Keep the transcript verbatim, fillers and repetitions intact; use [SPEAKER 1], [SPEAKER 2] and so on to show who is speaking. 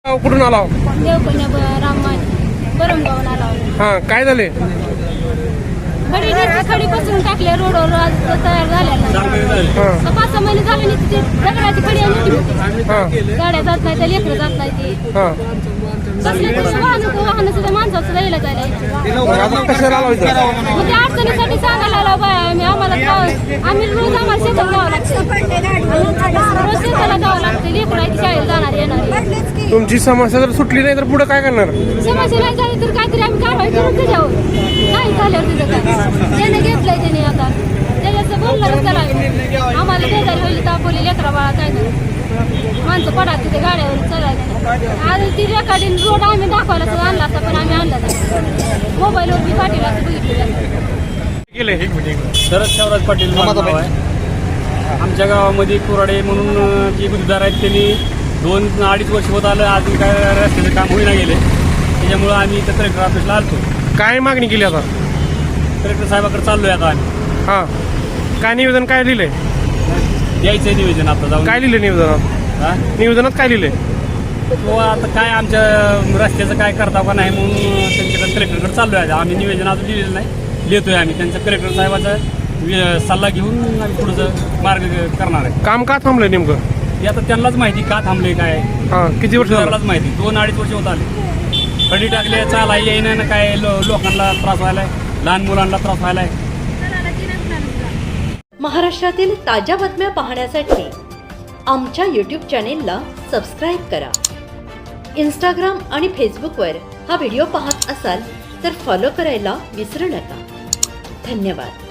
[SPEAKER 1] कुठून आला?
[SPEAKER 2] देवकन्या राममान बरमगावून आला.
[SPEAKER 1] हा, काय झाले?
[SPEAKER 2] खडी खडी पसरून टाकले रोडवर आज तयार झाल्या. पाच सहा महिने झाले नाही तिथे दगडाची खडी आली. गाड्या जात नाही त्या लेकरं जात नाही ती कसले तरी वाहन वाहन सुद्धा माणसाचं राहिलं जायला.
[SPEAKER 1] कशाला आला होता?
[SPEAKER 2] मग त्या अडचणीसाठी सांगायला आला बाय आम्ही आम्हाला आम्ही रोज आम्हाला शेतात जावं लागतं. रोज शेताला जावं लागतं. लेकराची शाळेत जाणार येणार.
[SPEAKER 1] तुमची समस्या जर सुटली नाही तर पुढे काय करणार?
[SPEAKER 2] समस्या नाही झाली तर काहीतरी आम्ही कारवाई करून त्याच्यावर नाही झाल्यावर तिथं काय त्याने घेतलंय त्याने आता त्याच्याचं बोलणारच त्याला आम्हाला बेजारी होईल तापवली लेकरा बाळा काय नाही माणसं पडा तिथे गाड्यावर चढायला. आज ती रेकॉर्डिंग रोड आम्ही दाखवायला सुद्धा आणला असता पण आम्ही आणला नाही. मोबाईलवर मी पाठीला
[SPEAKER 1] गेले
[SPEAKER 3] शरद शिवराज पाटील नाव आहे. आमच्या गावामध्ये कुराडे म्हणून जे गुजदार आहेत त्यांनी दोन अडीच वर्ष होत आलं अजून काय रस्त्याचं काम होईना गेले. त्याच्यामुळं आम्ही इथं कलेक्टर ऑफिसला आलतो.
[SPEAKER 1] काय मागणी केली आता?
[SPEAKER 3] कलेक्टर साहेबाकडे चाललोय आता आम्ही.
[SPEAKER 1] हा, काय निवेदन काय लिहिलंय?
[SPEAKER 3] द्यायचंय निवेदन आता जाऊन.
[SPEAKER 1] काय लिहिलंय निवेदनात?
[SPEAKER 3] हा,
[SPEAKER 1] निवेदनात काय लिहिलंय?
[SPEAKER 3] तो आता काय आमच्या रस्त्याचं काय करता का नाही म्हणून त्यांच्याकडे कलेक्टरकडे चाललोय आहे. आम्ही निवेदन अजून लिहिलेलं नाही, लिहितोय आम्ही. त्यांचा कलेक्टर साहेबाचा सल्ला घेऊन आम्ही पुढचं मार्ग करणार आहे.
[SPEAKER 1] काम का थांबलंय नेमकं?
[SPEAKER 3] हे आता त्यांनाच माहिती का थांबले काय.
[SPEAKER 1] हा, किती वर्ष झालं?
[SPEAKER 3] त्यालाच माहिती. दोन अडीच वर्ष होत आले. खडी टाकले चाला येईना ना काय लो, लोकांना त्रास व्हायलाय, लहान मुलांना त्रास व्हायलाय.
[SPEAKER 4] महाराष्ट्रातील ताज्या बातम्या पाहण्यासाठी आमच्या यूट्यूब चॅनेलला सबस्क्राईब करा. इंस्टाग्राम आणि फेसबुकवर हा व्हिडिओ पाहत असाल तर फॉलो करायला विसरू नका. धन्यवाद.